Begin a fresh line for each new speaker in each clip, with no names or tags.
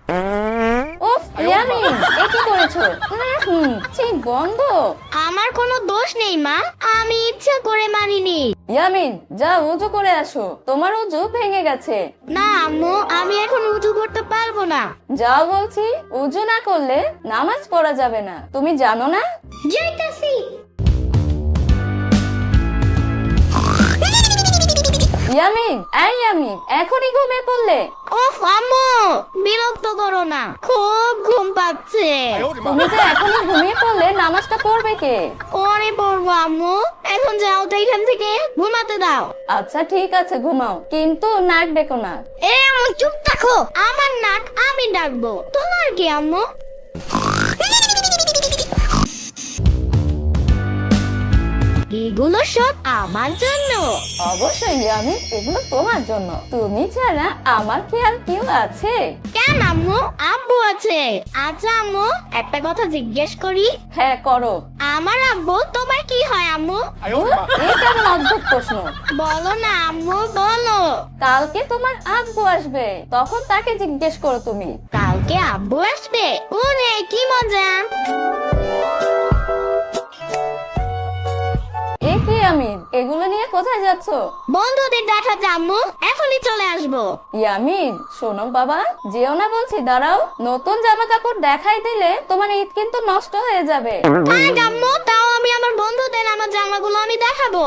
উফ ইয়ামিন, এ কি করেছো? ছি, বন্ধ।
আমার কোনো দোষ নেই মা, আমি ইচ্ছা করে মানিনি।
ইয়ামিন, যা উজু করে আসো, তোমার উজু ভেঙে গেছে।
না আম্মু, আমি এখন উজু করতে পারবো না।
যাও বলছি, উজু না করলে নামাজ পড়া যাবে না, তুমি জানো না?
যাইতাছি।
ইয়ামিন, এই ইয়ামিন, এখনই ঘুমিয়ে পড়লে?
ওফ আম্মু, বিরক্ত করো না, খুব ঘুম পাচ্ছে।
তুমি যে এখনই ঘুমিয়ে পড়লে, নামাজটা পড়বে কে?
পরে পড়বো আম্মু, এখন যাও তো এখান থেকে, ঘুমাতে দাও।
আচ্ছা ঠিক আছে, ঘুমাও, কিন্তু নাক ডেকো না।
এ আম্মু চুপ থাকো, আমার নাক আমি ডাকবো, তোমার কি আম্মু? এগুলো সব আমার জন্য।
অবশ্যই ইয়ামিন, এগুলো তোমার জন্য, তুমি ছাড়া আমার কি আর কেউ আছে?
কেন আম্মু, আব্বু আছে। আচ্ছা আম্মু, একটা কথা জিজ্ঞেস করি।
হ্যাঁ করো।
আমার আব্বু তোমার কি হয় আম্মু?
এই কেমন অদ্ভুত প্রশ্ন?
বলো না আম্মু, বলো।
কালকে তোমার আব্বু আসবে, তখন তাকে জিজ্ঞেস করো তুমি।
কালকে আব্বু আসবে? ওরে কি মজা।
এ কি ইয়ামিন, এগুলো নিয়ে কোথায় যাচ্ছ?
বন্ধুদের দেখাতে আম্মু, এখনই চলে আসবো।
ইয়ামিন শোনো বাবা, যেও না বলছি, দাঁড়াও। নতুন জামা কাপড় দেখাই দিলে তোমার ঈদ কিন্তু নষ্ট হয়ে যাবে।
থাক আম্মু, তাও আমি আমার বন্ধুদের আমার জামাগুলো আমি দেখাবো।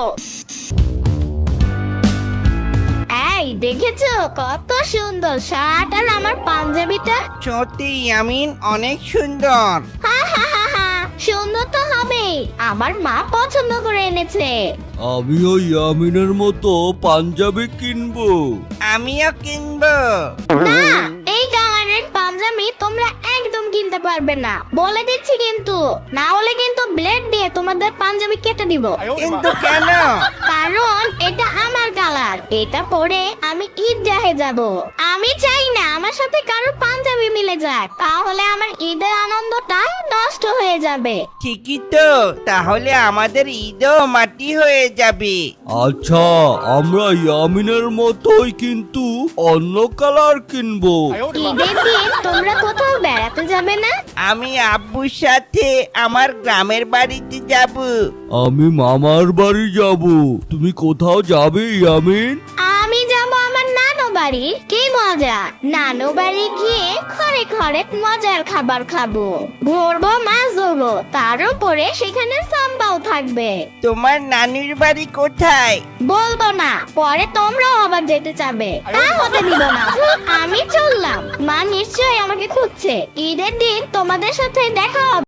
এই দেখেছো কত সুন্দর শার্ট আর আমার পাঞ্জাবিটা?
সত্যি ইয়ামিন, অনেক সুন্দর।
হা হা হা হা, সুন্দর তো হবেই, আমার মা পছন্দ করে এনেছে।
আমিও ইয়ামিনের মতো পাঞ্জাবি কিনবো।
আমিও কিনবো।
না, এই কালারের পাঞ্জাবি তোমরা একদম কিনতে পারবে না, বলে দিচ্ছি কিন্তু, না হলে কিন্তু ব্লেড দিয়ে তোমাদের পাঞ্জাবি কেটে দিব।
কিন্তু কেন?
কারণ এটা আমার কালার, এটা পরে আমি ঈদগাহে যাব। আমি চাই না আমার সাথে কারোর পাঞ্জাবি মিলে যাক, তাহলে আমার ঈদের আনন্দটা নষ্ট হয়ে যাবে।
ঠিকই তো, তাহলে আমাদের ঈদও মাটি হয়ে যাবে।
আচ্ছা, আমরা ইয়ামিনের মতোই কিন্তু অন্য কালার কিনবো।
ঈদের দিন তোমরা কোথাও বেড়াতে যাবে না?
আমি আব্বুর সাথে আমার গ্রামের বাড়িতে যাব।
আমি মামার বাড়ি যাব। তুমি কোথাও যাবে ইয়ামিন?
আমি যাব আমার নানু বাড়ি। কি মজা, নানু বাড়ি গিয়ে ঘরে ঘরে মজার খাবার খাবো, ঘুরবো, মাছ ধরবো, তার উপরে সেখানে সাম্বাও থাকবে।
তোমার নানির বাড়ি কোথায়?
বলবো না, পরে তোমরাও আবার যেতে চাবে, তা হতে দিব না। আমি চললাম, মা নিশ্চয়ই আমাকে খুঁজছে, ঈদের দিন তোমাদের সাথে দেখা হবে।